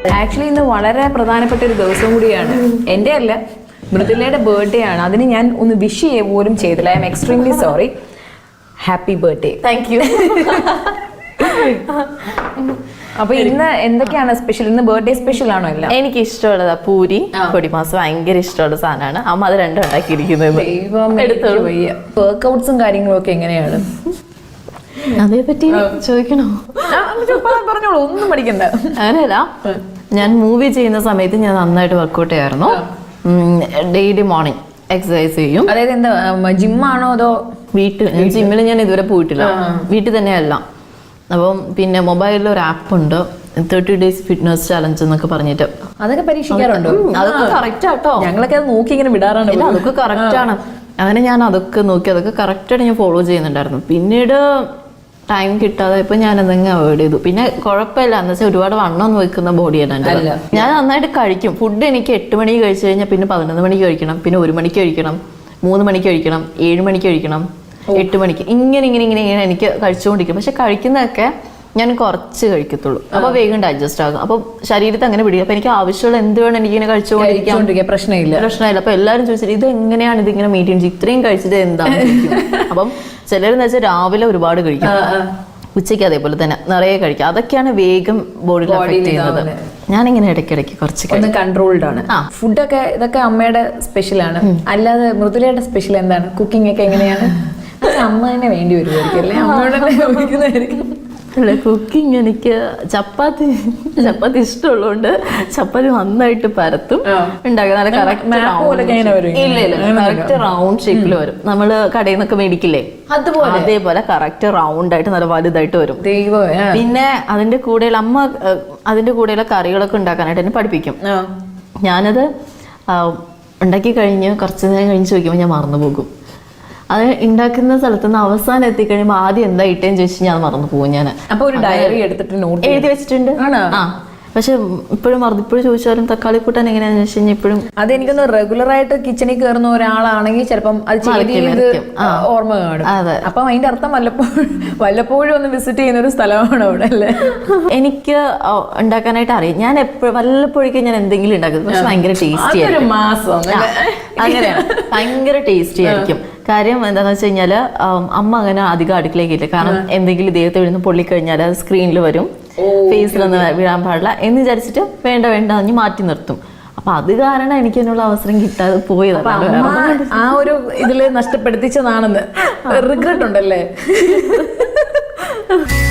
Actually ഇന്ന് വളരെ പ്രധാനപ്പെട്ട ഒരു ദിവസം കൂടിയാണ്. എൻ്റെ അല്ല, മൃദുലയുടെ ബർത്ത്ഡേ ആണ്. അതിന് ഞാൻ ഒന്ന് വിഷ് ചെയ്യുക പോലും ചെയ്തില്ല. I am extremely sorry. Happy birthday. Thank you. അപ്പൊ ഇന്ന് എന്തൊക്കെയാണ് സ്പെഷ്യൽ? ഇന്ന് ബർത്ത്ഡേ സ്പെഷ്യൽ ആണോ? എല്ലാം എനിക്ക് ഇഷ്ടമുള്ളതാ പൂരി പൊടിമാസം, ഭയങ്കര ഇഷ്ടമുള്ള സാധനമാണ്. അമ്മ അത് രണ്ടും ഉണ്ടാക്കിയിരിക്കുന്നത്. വർക്ക്ഔട്ട്സും കാര്യങ്ങളും ഒക്കെ എങ്ങനെയാണ്? അതേപറ്റി ചോദിക്കണോ? പറഞ്ഞോളൂ, ഒന്നും പഠിക്കണ്ട. അങ്ങനെയല്ല, ഞാൻ മൂവി ചെയ്യുന്ന സമയത്ത് ഞാൻ നന്നായിട്ട് വർക്ക്ഔട്ട് ചെയ്യായിരുന്നു. ഡെയിലി മോർണിംഗ് എക്സസൈസ് ചെയ്യും. അതായത് എന്താ, ജിമ്മാണോ അതോ വീട്ടിൽ? ജിമ്മിൽ ഞാൻ ഇതുവരെ പോയിട്ടില്ല, വീട്ടിൽ തന്നെയല്ല. അപ്പം പിന്നെ മൊബൈലിൽ ഒരു ആപ്പ് ഉണ്ട്, 30 days ഫിറ്റ്നസ് ചലഞ്ച് എന്നൊക്കെ പറഞ്ഞിട്ട്. അതൊക്കെ പരീക്ഷിക്കാറുണ്ടോ? അതൊക്കെ കറക്റ്റ് ആട്ടോ. ഞങ്ങളൊക്കെ അത് നോക്കി ഇങ്ങനെ വിടാറാണ്. അതൊക്കെ കറക്റ്റ് ആണ്. അങ്ങനെ ഞാൻ അതൊക്കെ നോക്കി, അതൊക്കെ കറക്റ്റായിട്ട് ഞാൻ ഫോളോ ചെയ്യുന്നുണ്ടായിരുന്നു. പിന്നീട് ടൈം കിട്ടാതെ ഇപ്പൊ ഞാൻ എന്തെങ്കിലും അവോയ്ഡ് ചെയ്തു. പിന്നെ കുഴപ്പമില്ല, എന്ന് വെച്ചാൽ ഒരുപാട് വണ്ണം വെക്കുന്ന ബോഡിയാണ് എൻ്റെ. ഞാൻ നന്നായിട്ട് കഴിക്കും. ഫുഡ് എനിക്ക് 8 മണിക്ക് കഴിച്ചു കഴിഞ്ഞാൽ പിന്നെ 11 മണിക്ക് കഴിക്കണം, പിന്നെ 1 മണിക്ക് കഴിക്കണം, 3 മണിക്ക് കഴിക്കണം, 7 മണിക്ക് കഴിക്കണം, 8 മണിക്ക്, ഇങ്ങനെ ഇങ്ങനെ ഇങ്ങനെ ഇങ്ങനെ എനിക്ക് കഴിച്ചുകൊണ്ടിരിക്കും. പക്ഷെ കഴിക്കുന്നതൊക്കെ ഞാൻ കുറച്ച് കഴിക്കത്തുള്ളൂ. അപ്പൊ വേഗം ഡൈജസ്റ്റ് ആകും. അപ്പൊ ശരീരത്തെ അങ്ങനെ പിടിക്കും. അപ്പൊ എനിക്ക് ആവശ്യമുള്ള എന്ത് വേണം എനിക്കിങ്ങനെ കഴിച്ചുകൊണ്ടിരിക്കാം, പ്രശ്നമില്ല. അപ്പൊ എല്ലാവരും ചോദിച്ചിട്ട് ഇത് എങ്ങനെയാണ് ഇതിങ്ങനെ മെയിൻറ്റെയിൻ ചെയ്യും, ഇത്രയും കഴിച്ചിട്ട് എന്താണ്? അപ്പം ചിലരെന്ന് വെച്ചാൽ രാവിലെ ഒരുപാട് കഴിക്കും, ഉച്ചയ്ക്ക് അതേപോലെ തന്നെ നിറയെ കഴിക്കും. അതൊക്കെയാണ് വേഗം ബോഡിയിൽ അഫക്ട് ചെയ്യുന്നത്. ഞാനിങ്ങനെ ഇടയ്ക്കിടയ്ക്ക് കുറച്ച് കൺട്രോൾഡ് ആണ്. ഫുഡൊക്കെ ഇതൊക്കെ അമ്മയുടെ സ്പെഷ്യലാണ്. അല്ലാതെ മൃദുലയുടെ സ്പെഷ്യൽ എന്താണ്? കുക്കിംഗ് ഒക്കെ എങ്ങനെയാണ്? അമ്മ തന്നെ വേണ്ടി വരുമായിരിക്കും അല്ലേ? അമ്മയോട് ഉപയോഗിക്കുന്നതായിരിക്കും. അല്ല, കുക്കിംഗ് എനിക്ക് ചപ്പാത്തി ഇഷ്ടമുള്ളതുകൊണ്ട് ചപ്പാത്തി നന്നായിട്ട് പരത്തും ഉണ്ടാക്കുക. നല്ല കറക്റ്റ് റൗണ്ട് ഷേപ്പിൽ വരും. നമ്മള് കടയിൽ നിന്നൊക്കെ മേടിക്കില്ലേ, അതേപോലെ കറക്റ്റ് റൗണ്ട് ആയിട്ട് നല്ല വലുതായിട്ട് വരും. പിന്നെ അതിന്റെ കൂടെയുള്ള അമ്മ അതിന്റെ കൂടെയുള്ള കറികളൊക്കെ ഉണ്ടാക്കാനായിട്ട് എന്നെ പഠിപ്പിക്കും. ഞാനത് ഉണ്ടാക്കി കഴിഞ്ഞ് കുറച്ച് നേരം കഴിഞ്ഞ് ചോദിക്കുമ്പോൾ ഞാൻ മറന്നു പോകും. അത് ഉണ്ടാക്കുന്ന സ്ഥലത്ത് നിന്ന് അവസാനം എത്തിക്കഴിയുമ്പോൾ ആദ്യം എന്താ ഇട്ടേന്ന് ചോദിച്ചാൽ ഞാൻ മറന്നു പോകും. ഞാൻ അപ്പൊ ഒരു ഡയറി എടുത്തിട്ട് നോട്ട് എഴുതി വെച്ചിട്ടുണ്ട്. പക്ഷെ ഇപ്പോഴും ഇപ്പോഴും ചോദിച്ചാലും തക്കാളി കൂട്ടാൻ എങ്ങനെയാന്ന് വെച്ച് കഴിഞ്ഞാൽ ഇപ്പോഴും അതെനിക്കൊന്ന് റെഗുലർ ആയിട്ട് കിച്ചണിൽ കയറുന്ന ഒരാളാണെങ്കിൽ ചിലപ്പം അത് ഓർമ്മ കാണും. അപ്പം അതിന്റെ അർത്ഥം വല്ലപ്പോഴും ഒന്ന് വിസിറ്റ് ചെയ്യുന്ന ഒരു സ്ഥലമാണ് അവിടെ അല്ലേ? എനിക്ക് ഉണ്ടാക്കാനായിട്ട് അറിയാം. ഞാൻ വല്ലപ്പോഴേക്കും ഞാൻ എന്തെങ്കിലും ഉണ്ടാക്കുന്നത്, പക്ഷെ ഭയങ്കര ടേസ്റ്റി ആയിരിക്കും. അങ്ങനെയാണ്, ഭയങ്കര ടേസ്റ്റി ആയിരിക്കും. കാര്യം എന്താണെന്ന് വെച്ച് കഴിഞ്ഞാൽ അമ്മ അങ്ങനെ അധികം അടുക്കളേക്കില്ല. കാരണം എന്തെങ്കിലും ദേഹത്ത് വീഴുന്ന പൊള്ളിക്കഴിഞ്ഞാൽ അത് സ്ക്രീനിൽ വരും, ഫേസിലൊന്നും വീഴാൻ പാടില്ല എന്ന് വിചാരിച്ചിട്ട് വേണ്ട അഞ്ഞ് മാറ്റി നിർത്തും. അപ്പൊ അത് കാരണം എനിക്ക് അതിനുള്ള അവസരം കിട്ടാതെ പോയതാണ്. ആ ഒരു ഇതില് നഷ്ടപ്പെടുത്തിച്ചതാണെന്ന് റിഗ്രറ്റ് ഉണ്ടല്ലേ?